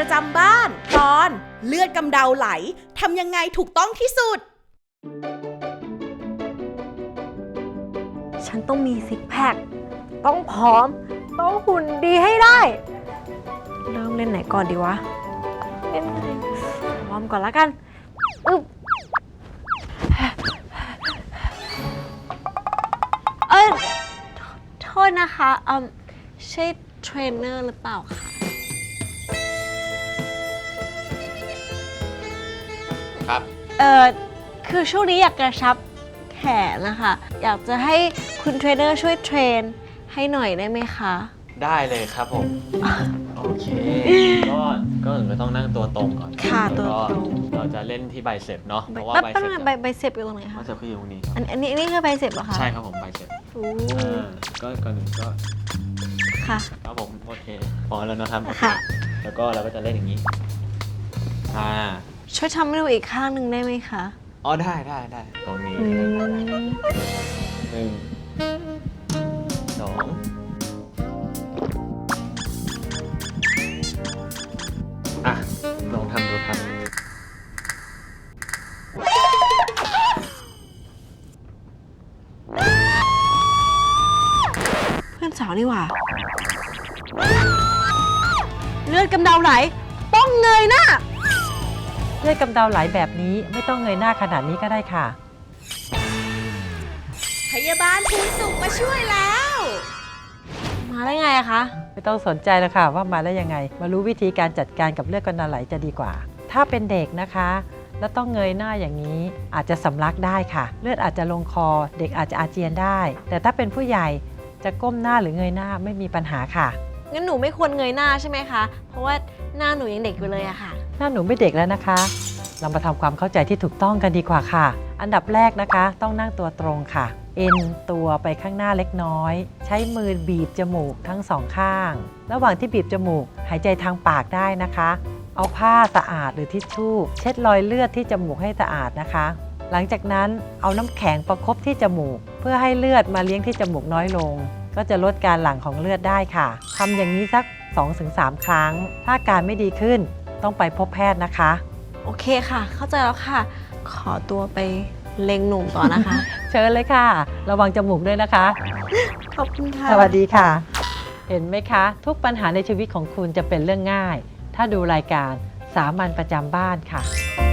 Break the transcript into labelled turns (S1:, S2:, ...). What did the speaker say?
S1: จำบ้านตอนเลือดกำเดาไหลทำยังไงถูกต้องที่สุด
S2: ฉันต้องมีซิกแพคต้องผอมต้องหุ่นดีให้ได้เริ่มเล่นไหนก่อนดีวะเล่นอะไรวอร์มก่อนละกันอึ๊บโทษนะคะใช่เทรนเนอร์หรือเปล่าคะ
S3: ครับ
S2: คือช่วงนี้อยากกระชับแขนนะคะอยากจะให้คุณเทรนเนอร์ช่วยเทรนให้หน่อยได้ไหมคะ
S3: ได้เลยครับผม โอเค ก็ต้องนั่งตัวตรงก่อน
S2: ค่ะตัวตรง
S3: เราจะเล่นที่ไบเซ็ปเนาะเพราะว่าไบเซ็ป
S2: ไบเซ็ปอยู่ตรงไหนคะ
S3: ไบเซ็ปคืออยู่ตรงนี้
S2: อันนี้คือไบเซ็ปเหรอคะ
S3: ใช่ครับผมไบเซ็ปก็ก่อนหนึ่งก็
S2: ค่ะ
S3: ครับผมโอเคพอแล้วนะครับ
S2: ค่ะ
S3: แล้วก็เราก็จะเล่นอย่างนี้
S2: ช่วยทำให้ดูอีกข้างหนึ่งได้ไหมคะ
S3: อ๋อได้ตรงนี้1 2ลองทำดูครับ
S2: เพื่อนสาวนี่หว่าเลือดกำเดาไหลต้องเงยหน้า
S4: เลือดกำเดาไหลแบบนี้ไม่ต้องเงยหน้าขนาดนี้ก็ได้ค่ะ
S1: พยาบาลภูนสุขมาช่วยแล้ว
S2: มาได้ไงอะคะ
S4: ไม่ต้องสนใจแล้วค่ะว่ามาได้ยังไงมารู้วิธีการจัดการกับเลือดกำเดาไหลจะดีกว่าถ้าเป็นเด็กนะคะแล้วต้องเงยหน้าอย่างนี้อาจจะสำลักได้ค่ะเลือดอาจจะลงคอเด็กอาจจะอาเจียนได้แต่ถ้าเป็นผู้ใหญ่จะก้มหน้าหรือเงยหน้าไม่มีปัญหาค่ะ
S2: งั้นหนูไม่ควรเงยหน้าใช่ไหมคะเพราะว่าหน้าหนูยังเด็กอยู่เลยอะค่ะ
S4: หน้าหนูไม่เด็กแล้วนะคะเรามาทำความเข้าใจที่ถูกต้องกันดีกว่าค่ะอันดับแรกนะคะต้องนั่งตัวตรงค่ะเอ็นตัวไปข้างหน้าเล็กน้อยใช้มือบีบจมูกทั้งสองข้างระหว่างที่บีบจมูกหายใจทางปากได้นะคะเอาผ้าสะอาดหรือทิชชู่เช็ดรอยเลือดที่จมูกให้สะอาดนะคะหลังจากนั้นเอาน้ำแข็งประคบที่จมูกเพื่อให้เลือดมาเลี้ยงที่จมูกน้อยลงก็จะลดการหลั่งของเลือดได้ค่ะทำอย่างนี้สัก 2-3 ครั้งถ้าการไม่ดีขึ้นต้องไปพบแพทย์นะคะ
S2: โอเคค่ะเข้าใจแล้วค่ะขอตัวไปเล็งหนุ่มต่อนะคะ
S4: เชิญเลยค่ะระวังจมูกด้วยนะคะ
S2: ขอบคุณค่ะ
S4: สวัสดีค่ะเห็นไหมคะทุกปัญหาในชีวิตของคุณจะเป็นเรื่องง่ายถ้าดูรายการสามัญประจำบ้านค่ะ